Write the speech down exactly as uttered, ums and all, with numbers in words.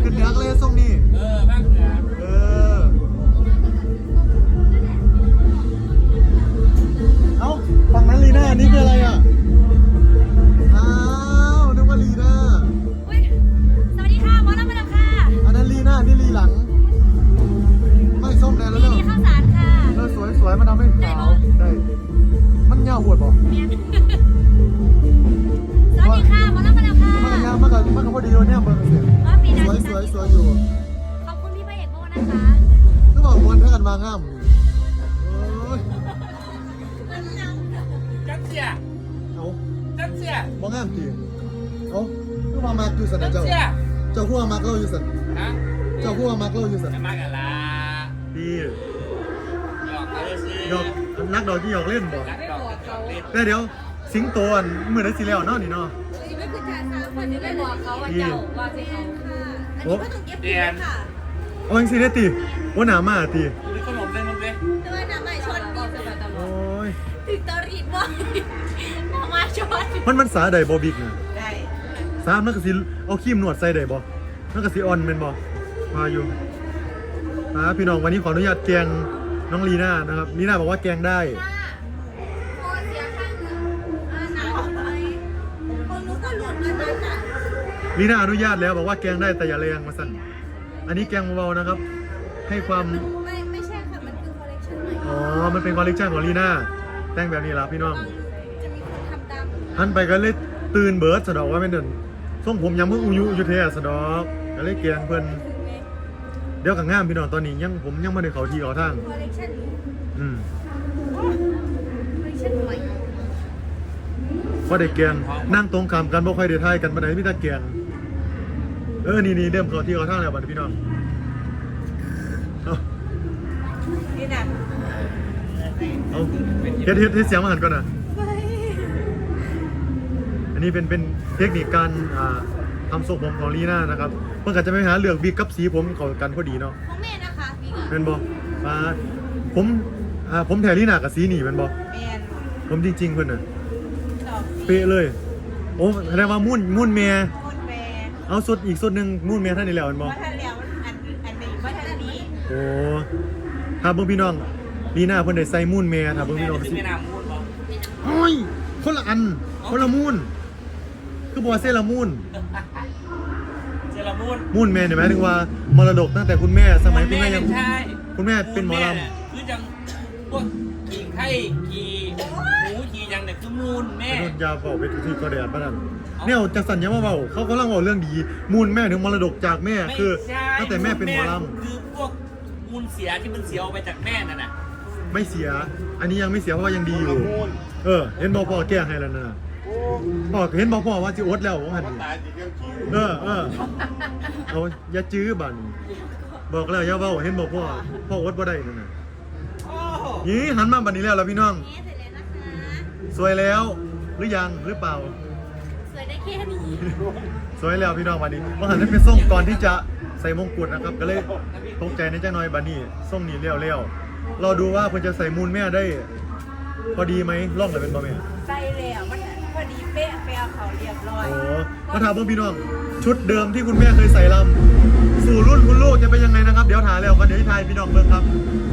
ขึ้นเหนือก็เลยส่งนี่เออบ้างเหนือเออเอ้าฝั่งนั้นลีน่านี่คืออะไรอ่ะอ้าวนึกว่าลีน่าอุ้ยสวัสดีค่ะหมอลำมาแล้วค่ะอันนั้นลีน่านี่ลีหลังไม่ส้มแดงแล้วเนอะนี่ข้าวสารค่ะเออสวยสวยมันทำให้ขาวได้มันเงาหัวบ่สวัสดีค่ะหมอลำมาแล้วค่ะมันเงามันก็มันก็พอดีเลยเนี่ยเบอร์เสียสวยสวยสวยอยู่ขอบคุณพี่พระเอกโบ้นะคะก็บอกมวนเท่ากันมาง่ามโอ้ยจัดเสียเอาจัดเสียมองง่ามจริงเอาคู่มามาอยู่สันนะเจ้าเจ้าคู่มามาเล่าอยู่สันฮะเจ้าคู่มามาเล่าอยู่สันจะมากันละดีหยอกเขาเลยสิหยอกนักดอกที่หยอกเล่นบ่นักดอกหยอกเล่นแต่เดี๋ยวสิงโตอันเหมือนได้สิแล้วเนาะนี่เนาะไม่คือจ่ายสามคนจะไม่บอกเขาว่าเจ้าว่าสิเขาค่ะอันนี้ก็ต้องเก็บเงินค่ะเอาจริงๆได้ตีว่าหนามาตีมีขนมเลยมึงเลยด้วยน้ำใหม่ชนดีสบายตลอดโอ้ยถึงตอรีดบ่อยน้ำมาชนมันมันสาใดบ่บิ๊กนะได้สามันก็สิเอาครีมนวดใส่ได้บ่มันก็สิอ่อนแม่นบ่มาอยู่อ่าพี่น้องวันนี้ขออนุญาตแกงน้องลีน่านะครับลีน่าบอกว่าแกงได้ลีน่าอนุญาตแล้วบอกว่าแกงได้แต่อย่าแรงมาสั่นอันนี้แกงเบาๆนะครับให้ความไม่ไม่ใช่ค่ะมันคือคอลเลคชันใหม่อ๋อมันเป็นคอลเลคชันของลีน่าแต่งแบบนี้ละพี่น้องจะมีคนทำตามหันไปก็เลยตื่นเบิร์ดสะดอกว่าไม่เดินส่งผมยังเพิ่งอุยุยุเทสะดอกก็เลยแกงเพิ่นเดี๋ยวกับง่ามพี่น้องตอนนี้ยังผมยังไม่ได้เขาทีเขาทางคอลเลคชันอืมคอลเลคชันใหม่ก็ได้แกงนั่งตรงคำกันบ่ค่อยได้ทายกันปานใดมีแต่แกงเออนี่นี่เริ่มเขาที่เขาทางแล้วบัดพี่น้องเอานี่นะเอาเฮ็ดเฮ็ดเฮ็ดเสียงมาหันก่อนนะอันนี้เป็นเป็นเทคนิคการอ่าทำทรงผมของลีน่านะครับเพื่อนก็จะไปหาเลือกบิ๊กกับสีผมเข้ากันพอดีเนาะของแม่นะคะบิ๊กเป็นบ่มาผมอ่าผมแถลีน่ากับสีนี่เป็นบ่ผมจริงๆเพื่อนน่ะเป๊ะเลยโอ้แสดงว่ามุ่นมุ่นเมียเอาสุดอีกสุดหนึ่งมุ่นเมียท่านนี่แล้วมันบอกว่าท่านแล้วอันอันนี้ว่าท่านนี้โอ้ถ้าเบิ่งพี่น้องลีน่าเพิ่นได้ใส่มุ่นเมียถ้าเบิ่งพี่น้องสิไม่นำมูนบอกโอ้ยคนละอันคนละมุ่นคือบอกเซรามุ่นเซรามูนมุ่นเมียเนี่ยหมายถึงว่ามรดกตั้งแต่คุณแม่สมัยคุณแม่ยังคุณแม่เป็นหมอลำคือจังพวกขี่ไข่ขี่หมูขี่ยังเนี่ยคือมูนแม่โดนยาเผาไปที่กระเดียดป่ะนั่นเนี่ยจะสั่นยังมาเบาเขากำลังบอกเรื่องดีมูลแม่ถึงมรดกจากแม่คือตั้งแต่แม่เป็นหมอลำคือพวกมูลเสียที่มันเสียออกไปจากแม่นั่นน่ะไม่เสียอันนี้ยังไม่เสียเพราะว่ายังดีอยู่เออเห็นบอกพ่อแก้ให้แล้วนะบอกเห็นบอกพ่อว่าจะอดแล้วว่าหันเออเออเอาอย่าจื้อบันบอกแล้วอย่าเบาเห็นบอกพ่อพ่ออดบ่ได้นั่นน่ะนี่หันมาบันนี้แล้วล่ะพี่น้องสวยแล้วหรือยังหรือเปล่าสวยได้แค่นี้สวยแล้วพี่น้องบันนี้ว่าหันนั้นเป็นส่งก่อนที่จะใส่มงกุฎนะครับก็เลยตกใจในจ้าน้อยบันนี้ส่งนี่เลี้ยวเลี้ยวเราดูว่าเพื่อจะใส่มูลแม่ได้พอดีไหมล่องเลยเป็นบ่แม่ใส่แล้วมันพอดีเป๊ะแปลเขาเรียบร้อยโอ้มาถามเพื่อนพี่น้องชุดเดิมที่คุณแม่เคยใส่ลำสู่รุ่นคุณลูกจะเป็นยังไงนะครับเดี๋ยวถ่ายแล้วกันเดี๋ยวทายพี่น้องเบิ่งครับ